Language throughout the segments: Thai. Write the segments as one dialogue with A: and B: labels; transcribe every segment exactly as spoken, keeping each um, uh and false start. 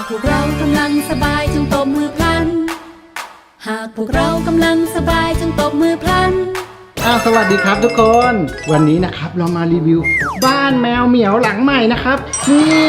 A: พวกเรากำลังสบายจงตบมือพลันหากพวกเรากำลังสบายจงตบมือพลัน
B: อ้าวสวัสดีครับทุกคนวันนี้นะครับเรามารีวิวบ้านแมวเหมียวหลังใหม่นะครับนี่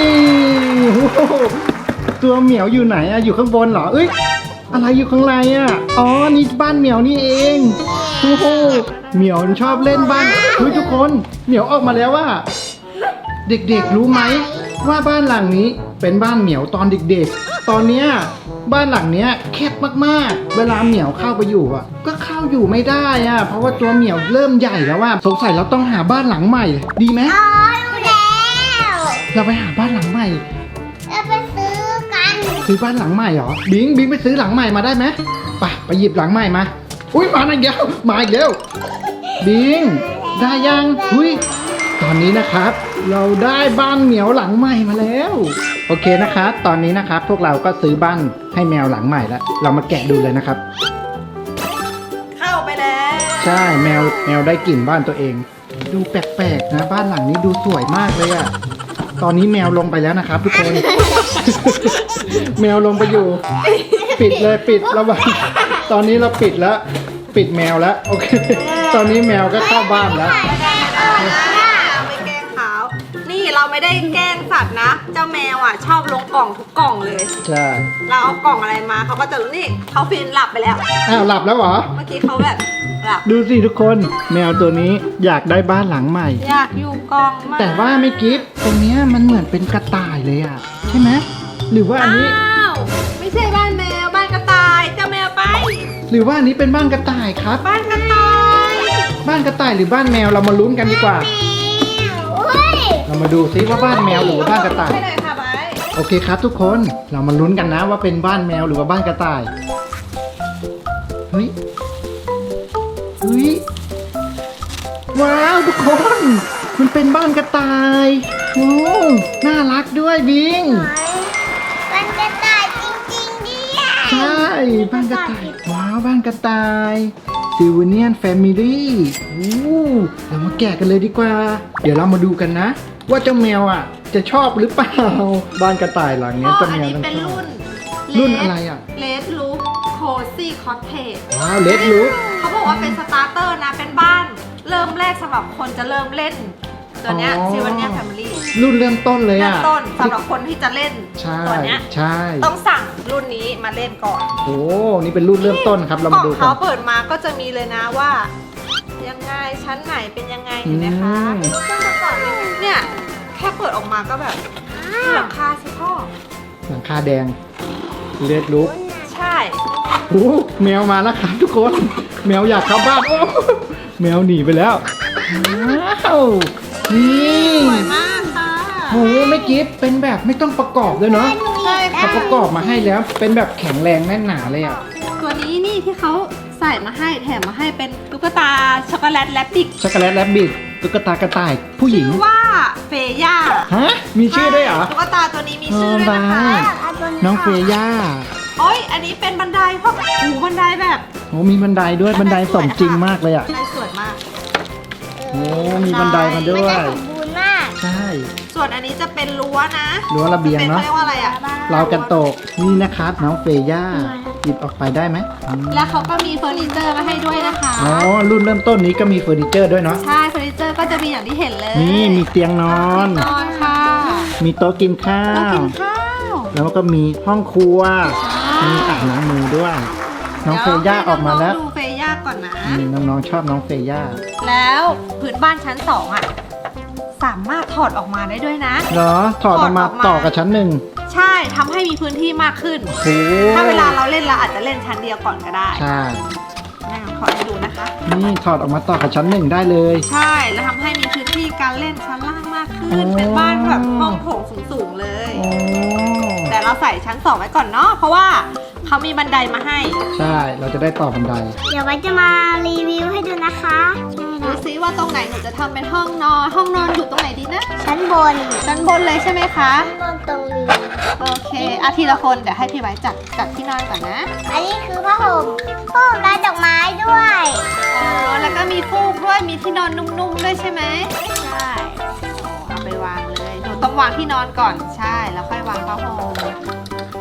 B: ตัวเหมียวอยู่ไหนอะอยู่ข้างบนเหรอเอ้ยอะไรอยู่ข้างในอะอ๋อนี่บ้านเหมียวนี่เองโอ้โหเหมียวชอบเล่นบ้านเฮ้ยทุกคนเหมียวออกมาแล้วว่าเด็กๆรู้ไหมว่าบ้านหลังนี้เป็นบ้านเหมียวตอนเด็กๆตอนเนี้ยบ้านหลังเนี้ยแคบมากๆเวลาเหมียวเข้าไปอยู่อ่ะก็เข้าอยู่ไม่ได้อ่ะเพราะว่าตัวเหมียวเริ่มใหญ่แล้วว่าสงสัยเราต้องหาบ้านหลังใหม่ดีไหม
C: อ๋อรู้แล้ว
B: เราไปหาบ้านหลังใหม่
C: เราไปซื้อกัน
B: ซื้อบ้านหลังใหม่เหรอบิงบิงไปซื้อหลังใหม่มาได้ไหมไปไปหยิบหลังใหม่มาอุ้ยมาอีกแล้วมาอีกแล้วบิงได้ยังอุ้ยตอนนี้นะครับเราได้บ้านเหมียวหลังใหม่มาแล้วโอเคนะครับตอนนี้นะครับพวกเราก็ซื้อบ้านให้แมวหลังใหม่แล้วเรามาแกะดูเลยนะครับ
D: เข้าไปแล้ว
B: ใช่แมวแมวได้กลิ่นบ้านตัวเองดูแปลกๆนะบ้านหลังนี้ดูสวยมากเลยอะตอนนี้แมวลงไปแล้วนะครับทุกคน แมวลงไปอยู่ปิดเลยปิดระวังตอนนี้เราปิดแล้วปิดแมวแล้วโอเคตอนนี้แมวก็เข้าบ้านแล้ว
D: ไปแกล้งเขานี่เราไม่ได้แกล้งสัตว์นะเจ้าแมวอ่ะชอบลงกล่องทุกกล่องเลย
B: ใช่
D: เราเอากล่องอะไรมาเขาก็จะรู้นี่เขาฟินหลับไปแล้ว
B: อ้าวหลับแล้วเหรอ
D: เมื่อกี้เขาแบบหลับ
B: ดูสิทุกคนแมวตัวนี้อยากได้บ้านหลังใหม่
D: อยากอยู่กล่องมาก
B: แต่ว่าไม่กิฟต์ตรงนี้มันเหมือนเป็นกระต่ายเลยอ่ะใช่ไหมหรือว่าอันนี้
D: อ้าวไม่ใช่บ้านแมวบ้านกระต่ายเจ้าแมวไป
B: หรือว่าอันนี้เป็นบ้านกระต่ายครับ
D: บ้านกระต่าย
B: บ้านกระต่ายหรือบ้านแมวเรามาลุ้นกันดีกว่าเรามาดูซิว่าบ้านแมวหรือว่าบ้านกระต่ายโอเคครับทุกคนเรามาลุ้นกันนะว่าเป็นบ้านแมวหรือว่าบ้านกระต่ายเฮ้ยเฮ้ยว้าวทุกคนมันเป็นบ้านกระต่ายโอ้น่ารักด้วยบิง
C: บ้านกระต่ายจริงๆดิ
B: ใช่บ้านกระต่ายว้าวบ้านกระต่ายซิลเวเนียนแฟมิลี่โอ้เรามาแกะกันเลยดีกว่าเดี๋ยวเรามาดูกันนะว่าเจ้าแมวอ่ะจะชอบหรือเปล่าบ้านกระต่ายหลังนี้เจ้าแมวต้องชอบรุ่นอะไรอ่ะ
D: เลดลูคโคซี่คอตเทจ
B: ว้าวเลดลูค
D: เขาบอกว่าเป็นสตาร์เตอร์นะเป็นบ้านเริ่มแรกสำหรับคนจะเริ่มเล่นตัวเนี้ยซิลเวเนียนแฟมิลี่
B: รุ่นเริ่มต้นเลยอ่ะ
D: เริ่มต้นสำหรับคนที่จะเล่นตัวเนี้ย
B: ใช่
D: ต้องสั่งรุ่นนี้มาเล่นก่อน
B: โอ้นี่เป็นรุ่นเริ่มต้นครับเรามาดูกัน
D: เขาเปิดมาก็จะมีเลยนะว่ายังไงชั้นไหนเป็นยังไงเห็นไหมคะเนี่ยแค่เปิดออกมาก็แบบหลังคาสิพ่อ
B: หลังคาแดงเลดลูค
D: ใช่
B: โอ้แมวมาแล้วครับทุกคนแมวอยากเข้าบ้านโอ้แมวหนีไปแล้วว้าวนี่
D: สวยมากค่ะ
B: โอ้ไม่กิฟต์เป็นแบบไม่ต้องประกอบเลยเนาะ
D: ใช่
B: เขาประกอบมาให้แล้วเป็นแบบแข็งแรงแน่นหนาเลยอ่ะ
D: ตัวนี้นี่ที่เขาใส่มาให้แถมมาให้เป็นตุ๊กตาช็อกโกแลตแรบบิท
B: ช็อกโกแลตแรบบิทตุ๊กตากระต่ายผู้หญิง
D: ชื่อว่าเฟย่า
B: ฮะมีชื่อด้วยเหรอ
D: ตุ๊กตาตัวนี้มีชื่อด้วยนะคะ
B: น้องเฟย่า
D: โอ้ยอันนี้เป็นบันไดเพราะหูบันไดแบบ
B: โอ้มีบันไดด้วยบันไดสมจริงมากเลยอ่ะ
D: บันไดสวยมาก
B: โอ้มีบันไดมาด้วย
C: สมบูรณ์มาก
B: ใช่
D: ส่วนอันนี้จะเป็นรั้วนะ
B: รั้วระเบียงเนาะ
D: เรียกว่าอะไรอ่ะ
B: เรากันโตกนี่นะครับน้องเฟย่าหยิบออกไปได้ไหม
D: แล้วเขาก็มีเฟอร์นิเจอร์มาให้ด้วยนะคะ
B: อ๋อรุ่นเริ่มต้นนี้ก็มีเฟอร์นิเจอร์ด้วยเนาะ
D: ใช่เฟอร์นิเจอร์ก็จะมีอย่างที่เห็นเลย
B: นี่มีเตียงนอน
D: นอนค่ะ
B: มีโต๊ะกินข้าว
D: กินข้าว
B: แล้วก็มีห้องครัวมีอ่างล้างมือด้วยน้องเฟย่าออกมาแล้ว
D: ดูเฟย่าก่อนนะ
B: นี่น้องๆชอบน้องเฟย่า
D: แล้วพื้นบ้านชั้นสองอ่ะสามารถถอดออกมาได้ด้วยนะ
B: เหรอถอดออกมาต่อกับชั้นหนึ่ง
D: ใช่ทำให้มีพื้นที่มากขึ้นถ้าเวลาเราเล่นเราอาจจะเล่นชั้นเดียวก่อนก็ได้
B: ใช่
D: แม่ขอให้ดูนะคะ
B: นี่ถอดออกมาต่อกับชั้นหนึ่งได้เลย
D: ใช่แล้วทำให้มีพื้นที่การเล่นชั้นล่างมากขึ้นเป็นบ้านแบบห้องโถงสูงๆเลยแต่เราใส่ชั้นสองไว้ก่อนเนาะเพราะว่าเขามีบันไดมาให้
B: ใช่เราจะได้ต่อบันได
C: เดี๋ยวไว้จะมารีวิวให้ดูนะคะ
D: ดูซิว่าตรงไหนหนูจะทำเป็นห้องนอนห้องนอนอยู่ตรงไหนดีนะ
C: ชั้นบน
D: ชั้นบนเลยใช่ไหมคะ
C: ชั้นบนตรงนี้
D: โอเคอาทีละคนเดี๋ยวให้พี่ไว้จัดจัดที่นอนก่อนนะ
C: อันนี้คือผ้าห่มผ้าห่มลายดอกไม้ด้วย
D: อ๋อแล้วก็มีฟูกด้วยมีที่นอนนุ่มๆด้วยใช่ไหมใช่เอาไปวางเลยหนูต้องวางที่นอนก่อนใช่แล้วค่อยวางผ้าห่ม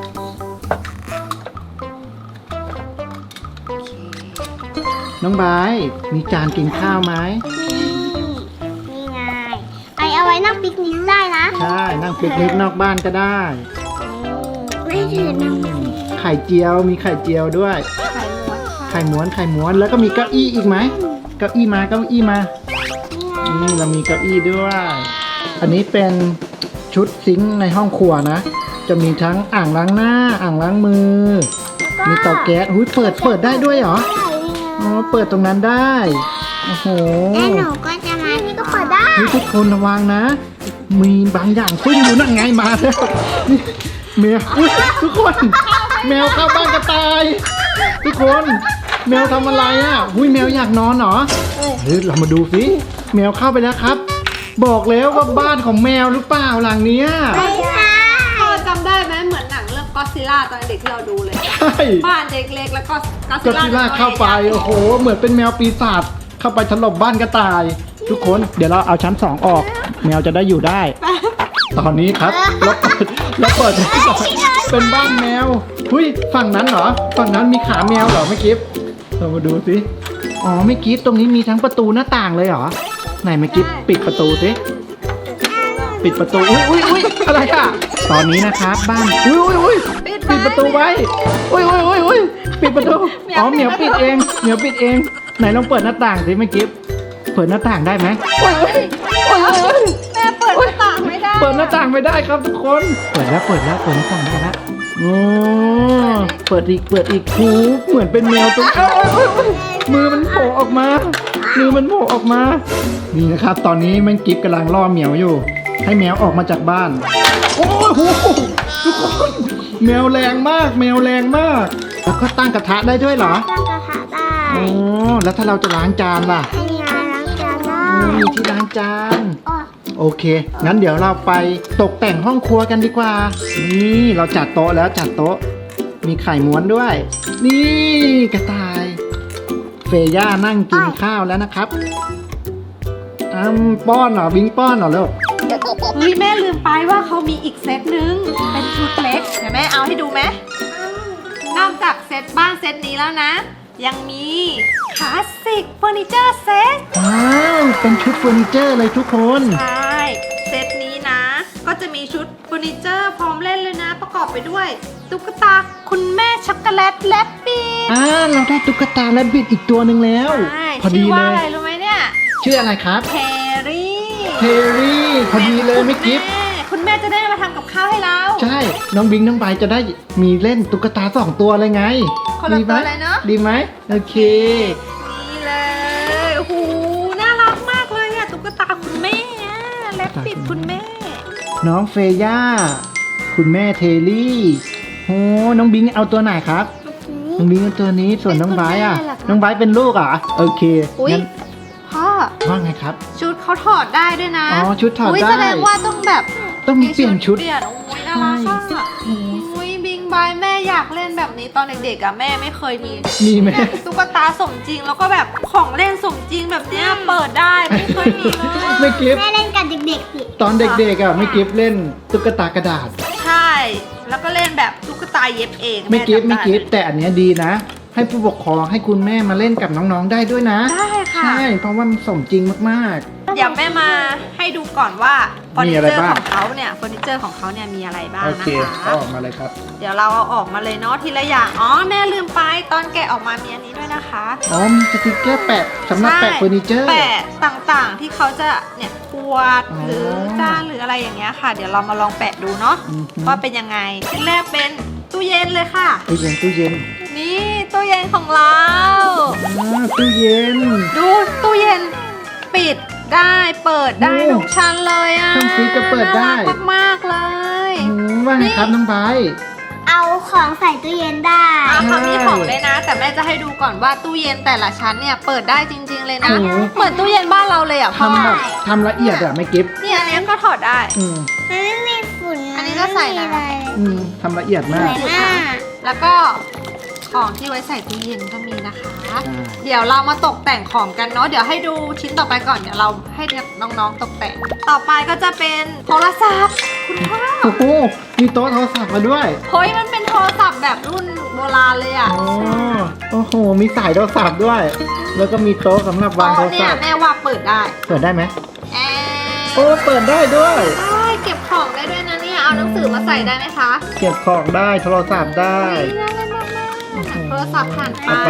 B: น้องไบร์ทมีจานกินข้าวไหม
C: นี่นี่ไงไอเอาไว้นั่งปิกนิกได้นะ
B: ใช่นั่งปิกนิกนอกบ้านก็ได้
C: ไม่ถือนั่ง
B: ไข่เจียวมีไข่เจียวด้วย
D: ไข่ม้วนค่ะ
B: ไข่ม้วนไข่ม้วนแล้วก็มีเก้าอี้อีกไหมเก้าอี้มาเก้าอี้มานี่เรามีเก้าอี้ด้วย อันนี้เป็นชุดซิงค์ในห้องครัวนะ จะมีทั้งอ่างล้างหน้าอ่างล้างมือ มีเตาแก๊สหุ้ยเปิดเปิดได้ด้วยเหรออ๋อเปิดตรงนั้นได้โอ้โห
C: แล้วหนูก็จะมาที่ก็เปิดได้
B: นี่ทุกคนระวังนะ มีบางอย่างซุ่มอยู่นั่นไงมาแล้วนี่แมวอุ๊ยทุกคน แมวเข้าบ้านกระต่าย ทุกคน แมวทำอะไรอ่ะหุ้ยแมวอยากนอนเหรอเฮ้ยเรามาดูสิแมวเข้าไปแล้วครับ บอกแล้วว่าบ้านของแมวหรือเปล่าหลังเนี้ย
C: ไม่ใช่
D: พ่อจำได้ไหมเหมือนหนังเรื่องก็ซิล่าตอนเด็กที่เราดูเลย
B: ใช่
D: บ้านเด็กเล็กแล้วก็ก็
B: ก็ที่ลากเข้าไปโอ้โห เหมือนเป็นแมวปีศาจเข้าไปถล่มบ้านกระต่าย ทุกคนเดี๋ยวเราเอาชั้นสองออก แมวจะได้อยู่ได้ ตอนนี้ครับแล้วเปิดแล้วเปิดเป็นบ้านแมวหุ้ยฝั่งนั้นเหรอฝั่งนั้นมีขาแมวเหรอไม่กิฟเรามาดูสิอ๋อไม่กิฟตรงนี้มีทั้งประตูหน้าต่างเลยเหรอไหนไม่กิฟปิดประตูสิปิดประตูอุ้ยอุ้ยอุ้ยอะไรอ่ะตอนนี้นะครับบ้านอุ้ยอุ้ยอุ้ยปิดประตูไว้อุ้ยอุ้ยอุ้ยอุ้ยปิดประตูอ๋อเหมียวปิดเองเหมียวปิดเองไหนลองเปิดหน้าต่างสิไม่กิฟเปิดหน้าต่างได้ไหมอุ้ยอุ้ยอุ้ย
D: แม่เปิดหน้าต่างไม่ได้
B: เปิดหน้าต่างไม่ได้ครับทุกคน เปิดแล้วเปิดแล้วเปิดหน้าต่างได้แล้วโอ้เปิดอีกเปิดอีกหูเหมือนเป็นแมวตัวเอ้ยเอ้ยเอ้ยมือมันโผล่ออกมา มือมันโผล่ออกมา นี่นะครับ ตอนนี้แมันกิฟกำลังล่อเหมียวอยู่ ให้แมวออกมาจากบ้าน โอ้โหทุกคนแมวแรงมาก แมวแรงมาก แล้วก็ตั้งกระทะได้ด้วยเหรอ
C: ตั้งกระทะได้
B: โอ้แล้วถ้าเราจะล้างจานล่ะ
C: ให้ยายล้างจานได้
B: โอ้มีที่ล้างจาน
C: อ๋อ
B: โอเค งั้นเดี๋ยวเราไปตกแต่งห้องครัวกันดีกว่า นี่เราจัดโต๊ะแล้วจัดโต๊ะ มีไข่ม้วนด้วย นี่กระต่าย เฟย่านั่งกินข้าวแล้วนะครับอ้ำป้อนเหรอวิงป้อนเหรอลูก
D: เฮ้ยแม่ลืมไปว่าเขามีอีกเซตหนึ่งเป็นชุดเล็กเดี๋ยวแม่เอาให้ดูไหมนอกจากเซตบ้านเซตนี้แล้วนะ ยังมีคลาสสิกเฟอร์นิเจอร์เซต
B: ว้าวเป็นชุดเฟอร์นิเจอร์เลยทุกคน
D: ใช่เซตนี้นะ ก็จะมีชุดเฟอร์นิเจอร์พร้อมเล่นเลยนะ ประกอบไปด้วยตุ๊กตาคุณแม่ช็อกโกแลตและปีด
B: อ่าเราได้ตุ๊กตาและบิดอีกตัวหนึ่งแล้ว
D: ใช่
B: พอดี
D: ชื่อ
B: เล
D: ว่าอะไร
B: ย
D: รู้ไหมเนี่ย
B: ชื่ออะไรครับ
D: เทรี่
B: เทรี่พอดีเลยไม่กิฟ
D: แม่คุณแม่จะได้มาทำกับข้าวให้เรา
B: ใช่ น้องบิงน้องใบจะได้มีเล่นตุ๊กตาสองตัวเลยไง
D: คนละ
B: ดีไหม
D: ตัวเลยเนอะ
B: ดีไหมโอเค
D: นี่เลยโอ้โหน่ารักมากเลยอะตุ๊กตาคุณแม่อะและปิดคุณแม่
B: น้องเฟย่า คุณแม่เทลี่โอ้น้องบิงเอาตัวไหนครับ น้องบิงเอาตัวนี้ส่วนน้องไบร์ทอ่ะ
D: เป็นคุณแม่เหรอคะ
B: น้องไบร์ทเป็นลูกเหรอ่ะโอเค
D: อุ๊ย
B: งั้น
D: พ่อ
B: ว่าไงครับ
D: ชุดเขาถอดได้ด้วยนะ
B: อ๋อชุดถอด
D: ย
B: ได้
D: แสดงว่าต้องแบบ
B: ต้องมีเปลี่ยนชุด
D: เปลี่ยนโอ้ยน่ารักอะโอ้ยบิงบายแม่อยากเล่นแบบนี้ตอนเด็กๆอะแม่ไม่เคยมี
B: มีไหม
D: ตุ๊กตาสมจริงแล้วก็แบบของเล่นสมจริงแบบเนี้ยเปิดได้ไม่เคยมีเลย
B: ไม่กิฟ
C: แม่เล่นกับเด็กๆสิ
B: ตอนเด็กๆอ่ะไม่กิฟเล่นตุ๊กตากระดาษ
D: ใช่ แล้วก็เล่นแบบตุ๊กตาเย็บเอง
B: ไม่กิฟ
D: แจำ
B: ไม่
D: ด้
B: กิฟแต่อันเนี้ยดีนะ ให้ผู้ปกครองให้คุณแม่มาเล่นกับน้องๆได้ด้วยนะ
D: ได้ค่ะ
B: ใช่เพราะว่ามันสมจริงมาก
D: เดี๋ยวแม่มาให้ดูก่อนว่าเฟอร์
B: มี
D: นิ
B: อะไร
D: เจอร์
B: บ้าง
D: ของเขาเนี่ยเฟอร์นิเจอร์ของเขาเนี่ยมีอะไรบ้า
B: ๆ
D: ง
B: โอ
D: นะ
B: เค
D: คะ
B: เอาออกมาเลยครับ
D: เดี๋ยวเราเอาออกมาเลยเนาะทีละอย่าง อ๋อแม่ลืมไปตอนแกะออกมามีอันนี้ด้วยนะคะ
B: อ๋อมีสติกเกอร์แปะสำหรับแปะเฟอร์นิเจอร์
D: แปะต่างๆที่เขาจะเนี่ยขวด
B: อ๋อ
D: หรือจานหรืออะไรอย่างเงี้ยค่ะ เดี๋ยวเรามาลองแปะดูเนาะ
B: อือฮึ
D: ว่าเป็นยังไงชิ้นแรกเป็นตู้เย็นเลยค่ะ
B: ตู้เย็นตู้เย็น
D: นี่ตู้เย็นของเรา
B: อ่าตู้เย็น
D: ดูตู้เย็นปิดได้เปิดได้
B: โอ้
D: ทุกชั้นเลยอ่ะ
B: ช่องฟรีซก็เปิดได้
D: น่ารักมากๆเลย
B: อืมว่าไงครับน้องไบร์ท
C: เอาของใส่ตู้เย็นได้
D: อ่ะเขามี
B: ใช่
D: ของเลยนะ แต่แม่จะให้ดูก่อนว่าตู้เย็นแต่ละชั้นเนี่ยเปิดได้จริง ๆ เลยนะ
B: โอ้โห
D: เหมือนตู้เย็นบ้านเราเลยอ่ะพ่อ
B: ทำแบบทำละเอียดอะไม่กิฟ
D: เนี่ยอันเนี้ยก็ถอดได้
B: อืม
C: มันไม่มีฝุ่น
D: อันนี้ก็ใส่นะ
C: ไม่มีอะไร
B: อืมทำละเอียด
C: ส
B: มาก
C: วยมาก
D: แล้วก็ของที่ไว้ใส่ตู้เย็นก็มีนะคะ
B: อ่า
D: เดี๋ยวเรามาตกแต่งของกันเนาะ เดี๋ยวให้ดูชิ้นต่อไปก่อน เดี๋ยวเราให้น้องๆตกแต่ง ต่อไปก็จะเป็นโทรศัพท์ คุณพ่อ
B: โอ้โหมีโต๊ะโทรศัพท์มาด้วย
D: เฮ้ยมันเป็นโทรศัพท์แบบรุ่นโบราณเลยอ่ะ
B: อ๋อโอ้โหมีสายโทรศัพท์ด้วย แล้วก็มีโต๊ะสำหรับวางโทร
D: โต๊ะเนี่
B: ศั
D: ย
B: พท์
D: แม่ว่าเปิดได้
B: เปิดได้ไหม
D: แอ
B: โอ้เปิดได้ด้วย
D: ใช่เก็บของได้ด้วยนะเนี่ยเอาหนังสือมาใส่ได้ไหมคะ
B: เก็บของได้โทรศัพท์ได้
D: นี่น่าเล่นมากๆโทรศัพท์ผ่านไป
B: เอาไป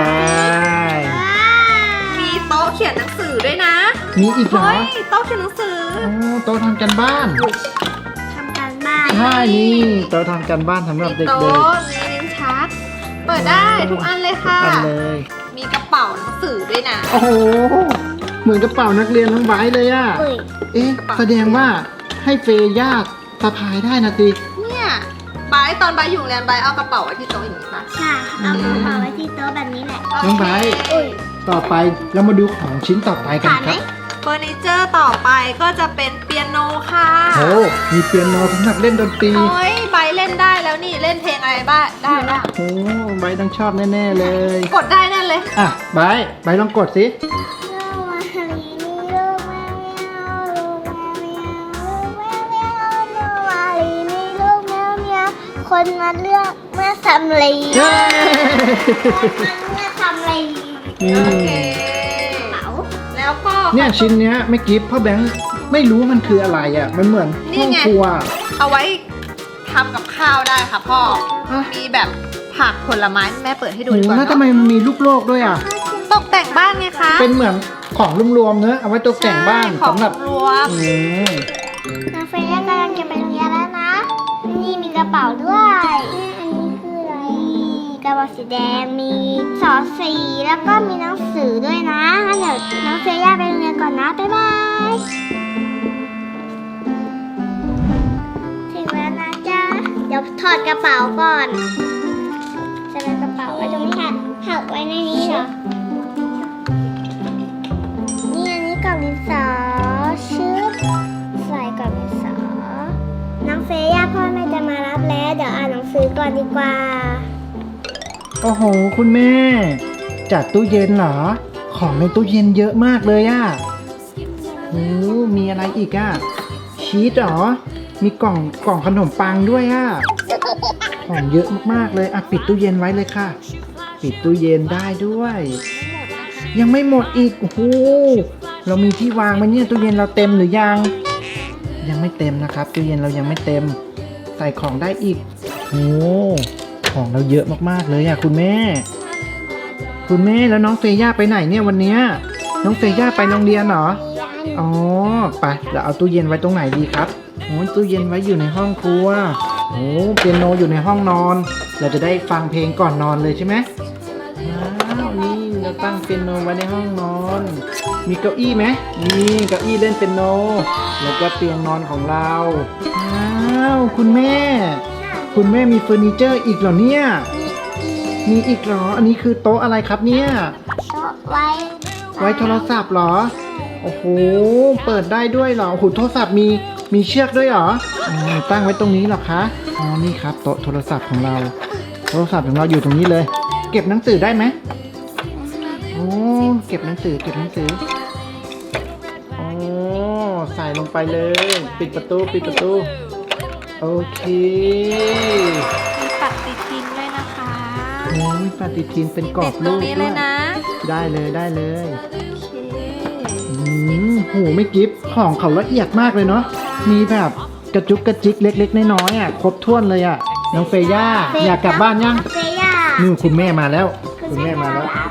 D: มีโต๊ะเขียนหนังสือด้วยนะ
B: มีอีกเหรอ
D: เฮ้ยโต๊ะเขียนหนังสือ
B: โอ้โต๊ะทำกันบ้าน
C: ทำการบ้าน
B: ใช่นี่โต๊ะทำกันบ้านสำหรับเด็ก
D: โต๊ะมีลิ้นชักเปิดได้ทุกอันเลย
B: ๆ
D: ค่ะ
B: อันเลย
D: มีกระเป๋าหนังสือด้วยนะ
B: โอ้โหเหมือนกระเป๋านักเรียนน้องไบร์ทเลยอ่ะ
C: อุ้ย
B: เอ๊ะแสดงว่าให้เฟย่าสะพายได้นะสิ
D: เนี่ยบายตอนบายอยู่โรงเรียนบายเอากระเป๋าไว้ที่โต๊ะอย่างนี้ปะ
C: ใช่เอากระเป๋าไว้ที่โต๊ะแบบนี้แหละ
B: น้องไบร์ท
C: อุ้ย
B: ต่อไปเรามาดูของชิ้นต่อไปกัน
C: ผ่าน
B: ค
C: ไหม
B: รับ
D: เฟอร์นิเจอร์ต่อไปก็จะเป็นเปียโนค่ะ
B: โอ้มีเปียโนสำหรับเล่นดนตรี
D: โอ้ยบายเล่นได้แล้วนี่เล่นเพลงอะไรบ้างได้บ้าง
B: โอ้ไบร์ทต้องชอบแน่ๆเลย
D: กดได้นั่นเลย
B: อ่ะไบร์ทไบร์ทลองกดสิ
C: คนมาเลือกเมื่อสำลี
B: เย้
C: เมื่อสำลี
B: นี่
D: โอเค
C: เป๋า
D: แล้วก็
B: เนี่ยชิ้นเนี้ยไม่กิฟต์พ่อแบงค์ไม่รู้มันคืออะไรอ่ะ มันเหมือนห้องครัว
D: เอาไว้ทำกับข้าวได้ค่ะพ่อ
B: อ่ะ
D: มีแบบผักผลไม้แม่เปิดให้ดู
B: โอ้
D: ดีกว่า
B: แล้วทำ
D: เนาะ
B: ไมมันมีลูกโลกด้วยอ่ะ
D: ตกแต่งบ้านไงคะ
B: เป็นเหมือนของรวมๆเนอะเอาไว้ตกแต่งบ้าน
D: ใช่ของ
B: สำหรับ
D: รวม
B: อืม
C: น้องเฟย่ากำลังจะไปโรงเรียนแล้วนะ นี่มีกระเป๋าด้วยอันนี้คืออะไรกระเป๋าสีแดงมีสอสีแล้วก็มีหนังสือด้วยนะงั้นเดี๋ยวน้องเฟย่าไปโรงเรียนก่อนนะบ๊ายบายถึงแล้วนะจ๊ะเดี๋ยวถอดกระเป๋าก่อนใส่กระเป๋าไว้ตรงนี้ค่ะหักไว้ในนี้เหรอนี่อันนี้กล่องดินสอชื่อใส่กล่องดินสอน้องเฟย่าพ่อแม่จะมารับแล้วเดี๋ยวอ่านหนังสือก่อนดีกว่า
B: โอ้โห คุณแม่ จัดตู้เย็นเหรอ ของในตู้เย็นเยอะมากเลยอ่ะโอ้มีอะไรอีกอ่ะ ชีสเหรอ มีกล่องกล่องขนมปังด้วยอ่ะ ของเยอะมากๆเลย อ่ะปิดตู้เย็นไว้เลยค่ะ ปิดตู้เย็นได้ด้วย ยังไม่หมดอีก โอ้โห เรามีที่วางไหมเนี่ยตู้เย็นเราเต็มหรือยัง ยังไม่เต็มนะครับ ตู้เย็นเรายังไม่เต็ม ใส่ของได้อีก โอ้ของเราเยอะมากๆเลยอ่ะคุณแม่ คุณแม่แล้วน้องเฟย่าไปไหนเนี่ยวันเนี้ยน้องเฟย่าไปโรงเรียนเหรอ อ๋อ ไปเราเอาตู้เย็นไว้ตรงไหนดีครับโอ้ยตู้เย็นไว้อยู่ในห้องครัวโอ้เปียโนอยู่ในห้องนอน เราจะได้ฟังเพลงก่อนนอนเลยใช่ไหมว้าวนี่เราตั้งเปียโนไว้ในห้องนอน มีเก้าอี้ไหมมีเก้าอี้เล่นเปียโน แล้วก็เตียงนอนของเราว้าวคุณแม่ คุณแม่มีเฟอร์นิเจอร์อีกเหรอเนี่ย มีอีกเหรอ อันนี้คือโต๊ะอะไรครับเนี่ย
C: โต๊ะไว้
B: ไว้โทรศัพท์เหรอ โอ้โห เปิดได้ด้วยเหรอ โอ้โห โทรศัพท์มี มีเชือกด้วยเหรออ๋อตั้งไว้ตรงนี้เหรอคะ อ๋อ นี่ครับโต๊ะโทรศัพท์ของเรา โทรศัพท์ของเราอยู่ตรงนี้เลย เก็บหนังสือได้ไหมโอ้ เก็บหนังสือ เก็บหนังสือ โอ้ ใส่ลงไปเลย ปิดประตู ปิดประตู โอเค
D: มีปฏิทินด้วยนะคะ
B: โอ้ยปฏิทินเป็นกรอ
D: ติ
B: บ
D: ดตร
B: รู
D: ง
B: ป
D: นี้
B: ด้
D: เล
B: วย
D: ยนะ
B: ได้เลยได้เลย
D: โอเค
B: อืมโหไม่กิฟของเขาละเอียดมากเลยเนาะ มีแบบกระจุกกระจิกเล็กๆน้อยๆอ่ะครบถ้วนเลยอ่ะ น้องเฟย่าอยากกลับบ้านยัง
C: เฟย่า
B: นี่คุณแม่มาแล้ว คุณแม่มาแล้ว
C: เย้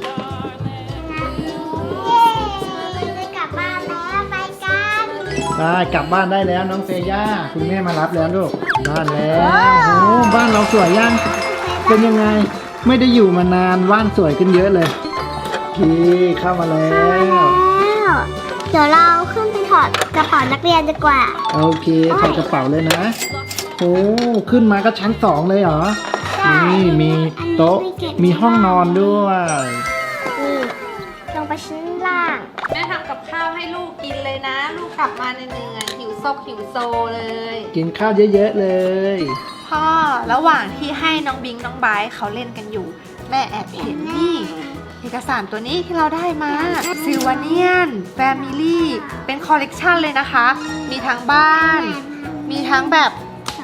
C: จะกลับบ้านแล้วไปกัน
B: ได้กลับบ้านได้แล้วน้องเฟย่าคุณแม่มารับแล้วลูกบ้านแล้วโอ้บ้านเราสวยยังเป็นยังไง ไม่ได้อยู่มานานบ้านสวยขึ้นเยอะเลยโอเคเข้ามาแล้ว
C: แล้วเดี๋ยวเราขึ้นไปถอดกระเป๋านักเรียนดีกว่า
B: โอเคถอดกระเป๋าเลยนะโอ้ขึ้นมาก็ชั้นสองเลยเหรอ
C: ใช่
B: นี่มีโต๊ะ
C: อันนี้ไม่เก็บ
B: มีห้องนอนด้วย
C: นี่ลงไปชั้นล่าง
D: แม่ทำกับข้าวให้ลูกกินเลยนะ ลูกกลับมาเหนื่อยๆหิวซกหิวโซเลย
B: กินข้าวเยอะๆเลย
D: พ่อระหว่างที่ให้น้องบิงน้องไบร์ทเขาเล่นกันอยู่ แม่แอบเห็นนี่ เอกสารตัวนี้ที่เราได้มาซิลวาเนียนแฟมิลี่เป็นคอลเลกชันเลยนะคะ มีทั้งบ้าน มีทั้งแบบ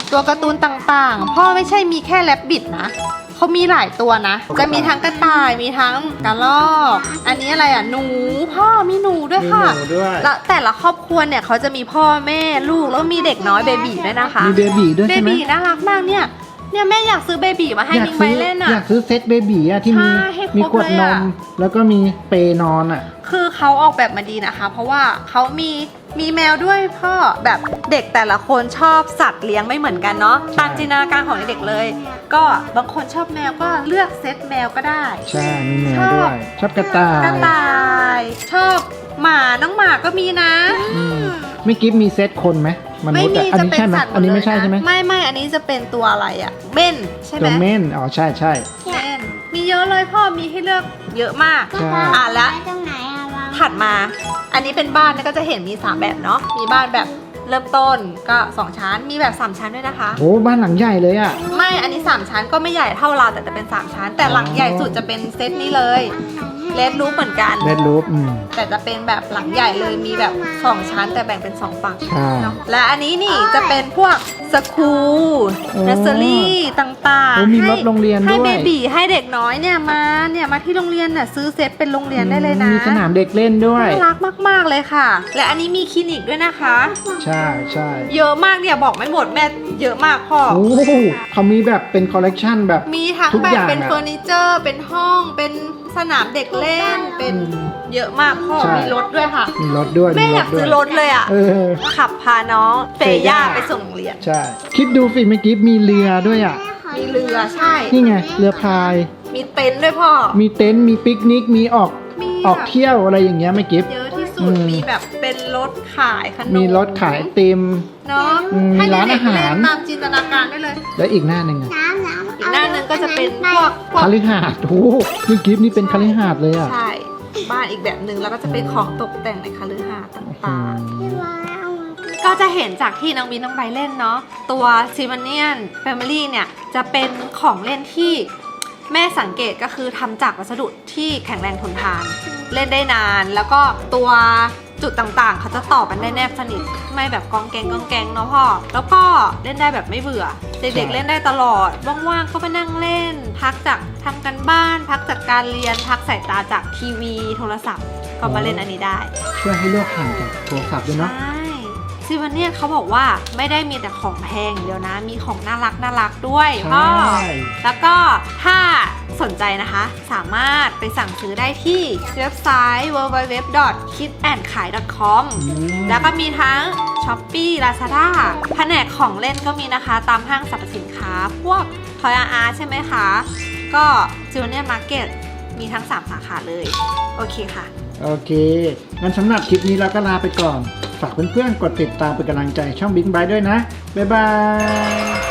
D: ตัวการ์ตูนต่างๆ พ่อไม่ใช่มีแค่แรบบิทนะเขามีหลายตัวนะ จะมีทั้งกระต่ายมีทั้งกระรอกอันนี้อะไรอ่ะหนูพ่อมีหนูด้วย
B: มี
D: ค่ะ
B: หนูด้วย
D: แล้วแต่ละครอบครัวเนี่ยเขาจะมีพ่อแม่ลูกแล้วก็มีเด็กน้อยเบบีด้วยนะคะ
B: มีเบบีด้วย
D: เบ
B: ใช่ไหม
D: บีน่ารักมากเนี่ยเนี่ยแม่อยากซื้อเบบีมาให้
B: อยาก
D: มิงไป
B: ซื้อ
D: เล่นอ่ะ
B: อยากซื้อเซตเบบีอะที่มี
D: ใช่ให้ครบ
B: มีขวด
D: เลย
B: น
D: อะ
B: มแล้วก็มีเปนอนอะ
D: คือเขาออกแบบมาดีนะคะ เพราะว่าเขามีมีแมวด้วยพ่อแบบเด็กแต่ละคนชอบสัตว์เลี้ยงไม่เหมือนกันเนาะตามจินตนาการของเด็กเลย ก็บางคนชอบแมวก็เลือกเซตแมวก็ได้
B: ใช่มีแมว
D: ชอบ
B: ด้วย ชอบกระต่าย
D: กระต่ายชอบหมาน้องหมาก็มีนะ
B: อืมไม่กิฟมีเซตคนไหมมนุ
D: ไม่
B: ษย์
D: มี
B: อะอัน
D: จะ
B: นี้
D: เป็น
B: ใช่ไหม
D: สัตว์
B: อันนี้
D: หด
B: ไม่ใช่
D: เลยะ
B: ใช่ไหม
D: ไม่ไม่อันนี้จะเป็นตัวอะไรอะเม่นใช่ไหม
B: ตัวเม่นอ๋อใช่ใช่
D: เม่นมีเยอะเลยพ่อมีให้เลือกเยอะมาก
B: ใช่
D: อ่ะแล้ว
C: ตรงไหนอะวาง
D: ถัดมา อันนี้เป็นบ้านก็จะเห็นมีสามแบบเนาะมีบ้านแบบเริ่มต้นก็สองชั้นมีแบบสามชั้นด้วยนะคะ
B: โอ้บ้านหลังใหญ่เลยอะ
D: ไม่อันนี้สามชั้นก็ไม่ใหญ่เท่าเราแต่จะเป็นสามชั้น แต่หลังใหญ่สุดจะเป็นเซตนี้เลยเลดรูปเหมือนกัน
B: เรดรูปอืม
D: แต่จะเป็นแบบหลังใหญ่เลยมีแบบสองชั้นแต่แบ่งเป็นสองฝั่ง
B: ใช่
D: เนอะและอันนี้นี่จะเป็นพวกสคูล
B: โอ้
D: เนสเซอรี่ต่าง
B: โอ้
D: ๆ
B: มีรถโรงเรียน
D: ให้
B: ด้วย
D: เบบีให้เด็กน้อยเนี่ยมาเนี่ยมาที่โรงเรียนน่ะซื้อเซตเป็นโรงเรียนได้เลยนะ
B: มีสนามเด็กเล่นด้วย
D: น่ารักมากๆเลยค่ะ และอันนี้มีคลินิกด้วยนะคะ
B: ใช่ใช่
D: เยอะมากเนี่ยบอกไม่หมดแม่เยอะมากพ่อ
B: โอ้เขามีแบบเป็นคอลเลกชันแบบ
D: มีทั้ง
B: ทุก
D: แบ
B: อบ ย่าง
D: เป็น
B: อะ
D: เฟอร์นิเจอร์เป็นห้องเป็นสนามเด็กเล่นเป็น
B: อืม
D: เยอะมากพ่อ
B: ใช่
D: มีรถด้วยค่ะ
B: มีรถด้วย
D: แม่
B: มี
D: อยาก
B: ด้ว
D: ซื้อรถเลยอ่ะ
B: เออ
D: ขับพาน้องเฟ
B: เฟย่า
D: ย่าไปส่งโรงเรียน
B: ใช่คิดดูสิเมื่อกี้มีเรือด้วยอ่ะ
D: มีเรือใช่
B: นี่ไงเรือพาย
D: มีเต็นท์ด้วยพ่อ
B: มีเต็นท์มีปิกนิกมีออก
D: มี
B: ออกเที่ยวอะไรอย่างเงี้ยไม่กิฟ
D: เยอะที่สุ
B: อื
D: ด
B: ม
D: มีแบบเป็นรถขายขนม
B: มีรถขายไอติม
D: เนาะ
B: อืม
D: ให้
B: มีร้าน
D: เด็ก
B: อาหาร
D: เล่นตามจินตนาการได้เลย
B: แล้วอีกหน้าหนึ่งอ่ะ
C: น้ำน้ำ
D: อีกหน้าหนึ่งก็จะเป็นพวกพวก
B: คาลิหาดโอ้โหนี่กิฟนี่เป็นคาลิหาดเลยอ่ะ
D: ใช่บ้านอีกแบบหนึ่งแล้วก็จะเป็นของตกแต่งในคฤหาสน์
B: อื
D: ต่าง
B: ม
C: ที่วางเอามา
D: ๆ ก็จะเห็นจากที่น้องวินน้องใบเล่นเนาะตัวซิมเนียนแฟมิลี่เนี่ยจะเป็นของเล่นที่แม่สังเกตก็คือทำจากวัสดุที่แข็งแรงทนทาน เล่นได้นาน แล้วก็ตัวจุดต่างๆ เขาจะต่อกันได้แนบสนิทไม่แบบกองแกงกองแกงเนาะพ่อแล้วก็เล่นได้แบบไม่เบื่อเด็กๆเล่นได้ตลอดว่างๆก็ไปนั่งเล่น พักจากทำกันบ้าน พักจากการเรียนพักสายตาจากทีวีโทรศัพท์ก็มาเล่นอันนี้ได้
B: ช่วยให้เลือกห่างจากโทรศัพท์ด้วยเนาะ
D: ใช่ซิวันเนี่ยเขาบอกว่าไม่ได้มีแต่ของแพงอย่างเดียวนะ มีของน่ารักน่ารักด้วยพ่อ
B: ใช่
D: แล้วก็ถ้าสนใจนะคะ สามารถไปสั่งซื้อได้ที่เว็บไซต์ ดับเบิลยู ดับเบิลยู ดับเบิลยู ดอท คิดแอนด์ขาย ดอท คอม
B: อืม
D: แล้วก็มีทั้ง Shopee Lazada แผนกของเล่นก็มีนะคะ ตามห้างสรรพสินค้า พวก Toys R Us ใช่ไหมคะ ก็ Junior Market มีทั้ง สาม สาขาเลย โอเคค่ะ
B: โอเค งั้นสำหรับคลิปนี้เราก็ลาไปก่อน ฝากเพื่อนๆ กดติดตามเป็นกำลังใจช่องบิ๊กไบด้วยนะ บ๊ายบาย